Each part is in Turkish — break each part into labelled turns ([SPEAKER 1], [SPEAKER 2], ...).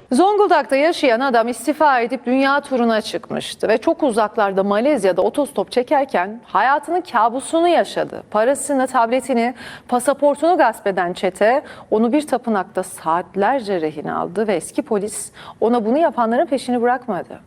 [SPEAKER 1] Zonguldak'ta yaşayan adam istifa edip dünya turuna çıkmıştı ve çok uzaklarda Malezya'da otostop çekerken hayatının kabusunu yaşadı. Parasını, tabletini, pasaportunu gasp eden çete onu bir tapınakta saatlerce rehin aldı ve eski polis ona bunu yapanların peşini bırakmadı.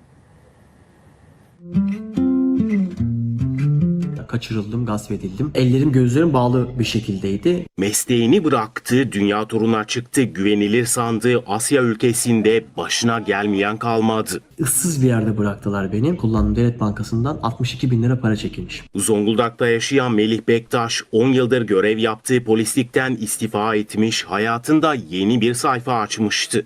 [SPEAKER 2] Kaçırıldım, gasp edildim. Ellerim gözlerim bağlı bir şekildeydi.
[SPEAKER 3] Mesleğini bıraktı, dünya turuna çıktı, güvenilir sandığı Asya ülkesinde başına gelmeyen kalmadı.
[SPEAKER 2] Issız bir yerde bıraktılar beni. Kullandığım devlet bankasından 62 bin lira para çekilmiş.
[SPEAKER 3] Zonguldak'ta yaşayan Melih Bektaş 10 yıldır görev yaptığı polislikten istifa etmiş, hayatında yeni bir sayfa açmıştı.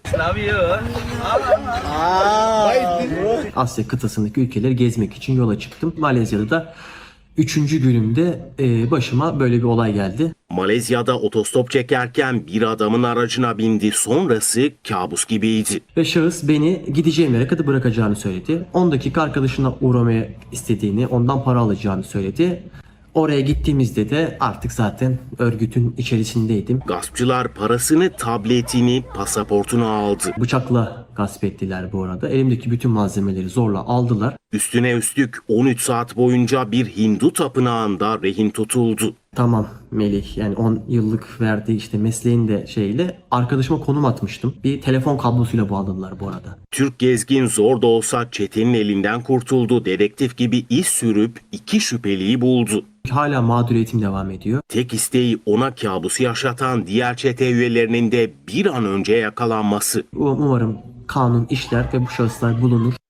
[SPEAKER 2] Asya kıtasındaki ülkeleri gezmek için yola çıktım. Malezya'da da 3. günümde başıma böyle bir olay geldi.
[SPEAKER 3] Malezya'da otostop çekerken bir adamın aracına bindi, sonrası kabus gibiydi.
[SPEAKER 2] Ve şahıs beni gideceğim yere kadar bırakacağını söyledi. 10 dakika arkadaşına uğramaya istediğini, ondan para alacağını söyledi. Oraya gittiğimizde de artık zaten örgütün içerisindeydim.
[SPEAKER 3] Gaspçılar parasını, tabletini, pasaportunu aldı.
[SPEAKER 2] Bıçakla gasp ettiler bu arada. Elimdeki bütün malzemeleri zorla aldılar.
[SPEAKER 3] Üstüne üstlük 13 saat boyunca bir Hindu tapınağında rehin tutuldu.
[SPEAKER 2] Tamam Melih, yani 10 yıllık verdiği işte mesleğin de şeyle arkadaşıma konum atmıştım. Bir telefon kablosuyla bağladılar bu arada.
[SPEAKER 3] Türk gezgin zor da olsa çetenin elinden kurtuldu. Dedektif gibi iz sürüp 2 şüpheliyi buldu.
[SPEAKER 2] Hala mağduriyetim devam ediyor.
[SPEAKER 3] Tek isteği ona kabusu yaşatan diğer çete üyelerinin de bir an önce yakalanması.
[SPEAKER 2] Umarım kanun işler ve bu şahıslar bulunur.